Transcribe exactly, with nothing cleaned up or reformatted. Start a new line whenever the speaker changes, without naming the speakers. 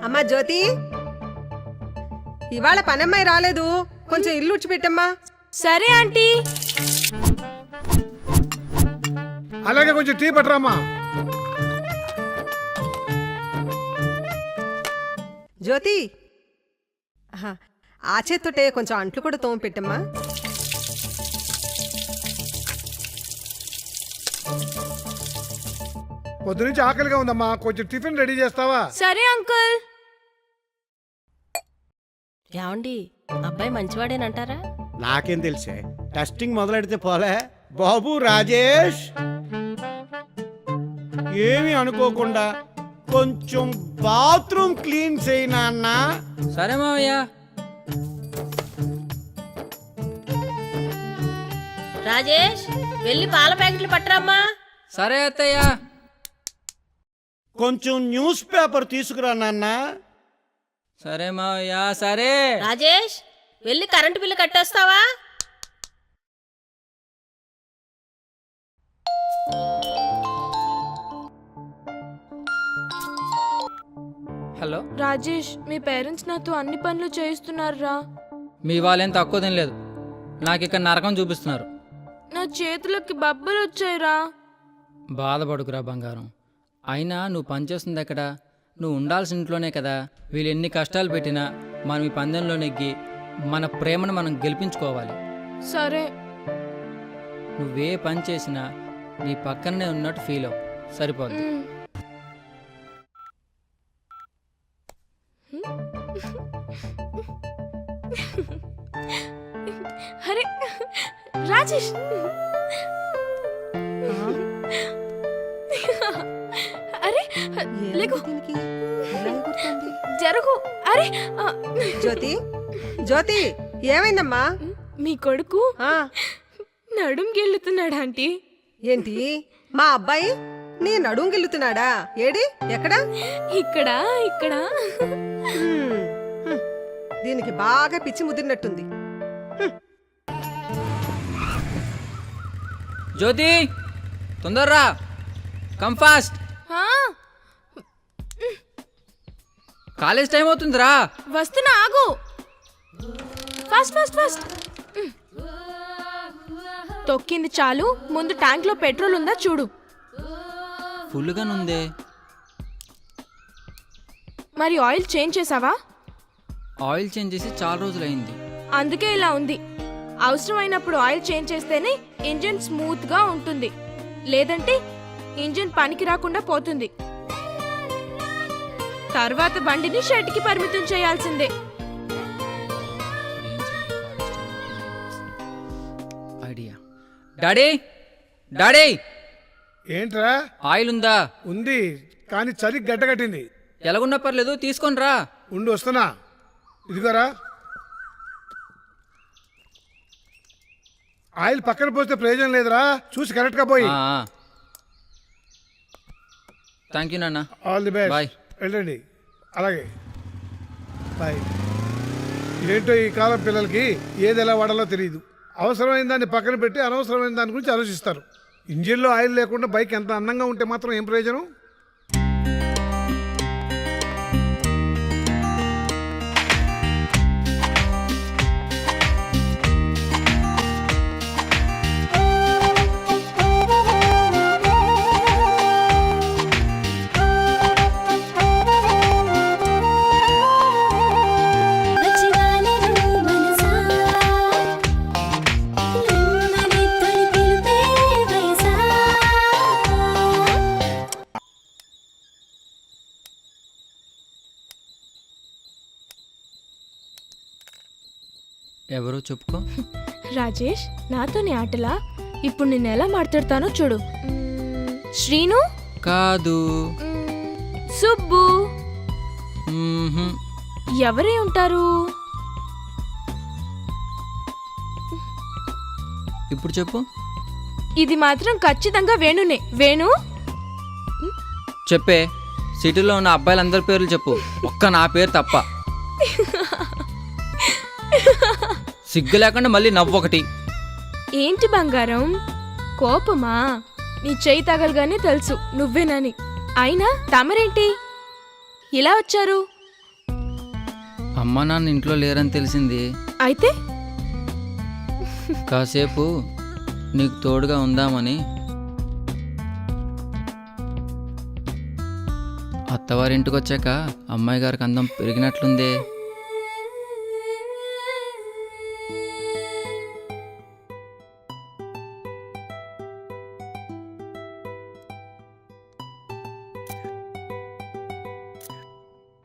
అమ్మా జ్యోతి, ఇవాళ పనమ్మాయి రాలేదు, కొంచెం ఇల్లు ఉడ్చిపెట్టమ్మా.
సరే ఆంటీ.
అలాగే కొంచెం టీ పట్టరామ్మా.
జ్యోతి, ఆహా, ఆ చేత్తోటే కొంచెం అంట్లు కూడా తోమ పెట్టమ్మా.
పొద్దునుంచి ఆకలిగా ఉందమ్మా, కొంచెం టిఫిన్ రెడీ చేస్తావా?
సరే అంకుల్. ఏమండి, అబ్బాయి మంచివాడేనంటారా?
నాకేం తెలిసే, టెస్టింగ్ మొదలెడితే పోలే. బాబు రాజేష్, ఏమి అనుకోకుండా కొంచెం బాత్రూమ్ క్లీన్ చేయి నాన్న.
సరే మావయ్య.
రాజేష్, వెళ్ళి పాల ప్యాకెట్లు పట్టరమ్మా.
సరే అత్తయ్య.
కొంచెం న్యూస్ పేపర్ తీసుకురా నాన్న.
సరే మావయ్య. సరే.
రాజేష్, వెళ్ళి కరెంటు బిల్లు కట్టేస్తావా?
హలో
రాజేష్, మీ పేరెంట్స్ నాతో అన్ని పనులు చేయిస్తున్నారా?
మీ వాళ్ళేం తక్కువ తినలేదు, నాకు ఇక్కడ నరకం చూపిస్తున్నారు.
నా చేతులకి బబ్బలు వచ్చాయిరా.
బాధపడుకురా బంగారం. అయినా నువ్వు పనిచేస్తుంది ఎక్కడ? నువ్వు ఉండాల్సిన ఇంట్లోనే కదా. వీళ్ళు ఎన్ని కష్టాలు పెట్టినా మనం ఈ పందెంలో నెగ్గి మన ప్రేమను మనం గెలిపించుకోవాలి.
సరే.
నువ్వే పని చేసినా నీ పక్కనే ఉన్నట్టు ఫీల్ అవ్వు, సరిపోద్ది.
మ్. అరే రాజేష్, అరే లేకు, జరుగు. అరే ఆ,
జ్యోతి, జ్యోతి, ఏమైందమ్మా?
మీ కొడుకు
ఆ,
నడుం గెలుతున్నాడు ఆంటీ.
ఏంటి, మా అబ్బాయి నీ నడుం గిల్లుతున్నాడా? ఏడి, ఎక్కడా?
ఇక్కడ ఇక్కడ
హ్మ్, హ్మ్. దీనికి బాగా పిచ్చి ముదిరినట్టుంది.
జ్యోతి, తొందరరా, కమ్ ఫాస్ట్.
ఆ,
కాలేజ్ టైం అవుతుందిరా.
వస్తున్నా, ఆగు. Fast fast fast. తొక్కింది చాలు, ముందు ట్యాంక్ లో పెట్రోల్ ఉందా చూడు.
ఫుల్గా నుందే.
మరి ఆయిల్ చేంజ్ చేసావా?
ఆయిల్ చేంజ్ చేసి చాలా రోజులైంది.
అందుకే ఇలా ఉంది. అవసరమైనప్పుడు ఆయిల్ చేంజ్ చేస్తేనే ఇంజిన్ స్మూత్ గా ఉంటుంది, లేదంటే ఇంజిన్ పనికి రాకుండా పోతుంది. తర్వాత బండిని షెడ్ కి పరిమితం చేయాల్సిందే.
ఐడియా. డాడీ, డాడీ,
ఏంట్రా?
ఆయిల్ ఉందా?
ఉంది, కానీ చలి గడ్డగట్టింది.
ఎలాగున్నా పర్లేదు, తీసుకొని రా.
ఉండి వస్తున్నా. ఇదిగోరా, ఆయిల్ పక్కన పోస్తే ప్రయోజనం లేదురా, చూసి కరెక్ట్ గా పోయి.
థ్యాంక్ యూ నాన్న.
All the best.
బాయ్.
వెళ్ళండి. అలాగే బాయ్. ఏంటో ఈ కాలం పిల్లలకి ఏది ఎలా వాడాలో తెలియదు. అవసరమైన దాన్ని పక్కన పెట్టి అనవసరమైన దాని గురించి ఆలోచిస్తారు. ఇంజిన్లో ఆయిల్ లేకుండా బైక్ ఎంత అందంగా ఉంటే మాత్రం ఏం ప్రయోజనం?
ఎవరో చెప్పుకో.
రాజేష్, నాతోని ఆటలా? ఇప్పుడు నేను ఎలా మాట్లాడతానో చూడు. మ్మ్, శ్రీను
కాదు.
మ్మ్, సుబ్బు
మ్మ్హ్మ్.
ఎవరే ఉంటారు?
ఇప్పుడు చెప్పు.
ఇది మాత్రం ఖచ్చితంగా వేణునే. వేణు.
చెప్పే. సిటీలో ఉన్న అబ్బాయిలందరి పేర్లు చెప్పు, ఒక్క నా పేరు తప్ప. సిగ్గు లేకుండా మళ్ళీ నవ్వొకటి.
ఏంటి బంగారం, కోపమా? నీ చెయ్యి తగలగానే తెలుసు నువ్వేనని. అయినా తమరేంటి ఇలా వచ్చారు?
అమ్మ నాన్న ఇంట్లో లేరని తెలిసింది.
అయితే
కాసేపు నీకు తోడుగా ఉందామని. అత్తవారింటికి వచ్చాక అమ్మాయి గారికి అందం పెరిగినట్లుందే.